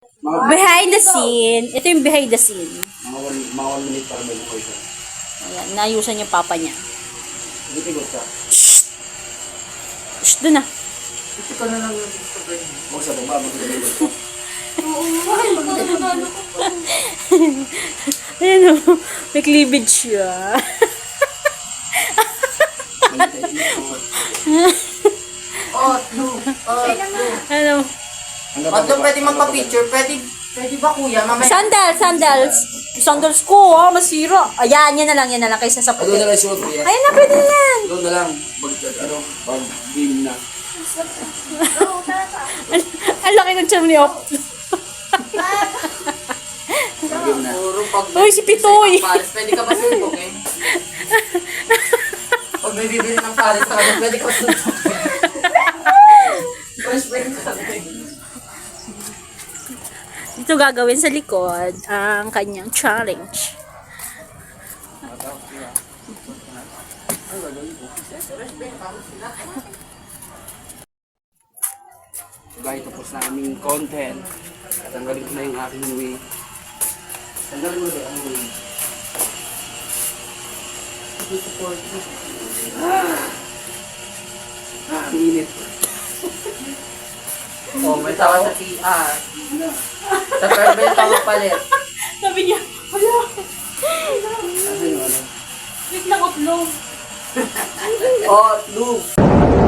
Behind the scene. Ito yung behind the scene. Mga 1 minute para may lukoy siya. Ayan, nayusan yung papa niya. Tigot ka. Shh, doon na. Ito ka na lang yung Instagram. Huwag sa baba, magkakaligot ka. Ayan o, may cleavage siya. Ano? Matlo, pwede magpa-picture? Pwede ba kuya? Mamaya. Sandals ko, masira. Ayan, yan na lang kaysa sa Doon puti. na lang suot ko yan. Ayan na, pwede yan. Doon na lang. Pag game na. Ang laki ng tiyan ni Op. Pag game na. Puro pag... Uy, si Pitoy. Paris, pwede ka ba suntok eh? Pag may bibili ng Paris na kanya, pwede ka ba suntok eh? Fresh pwede ka Dito gagawin sa likod ang kanyang challenge. Guys, tapos na aming content. Tanggalin ko na yung aking wig. Tanggalin mo na ang wig. Ang init. Oh, may tawa sa PR. Sa Perbel tawa palit. Sabi niya, wala. Ano yung ano? Wait lang, upload. Oh, Lou.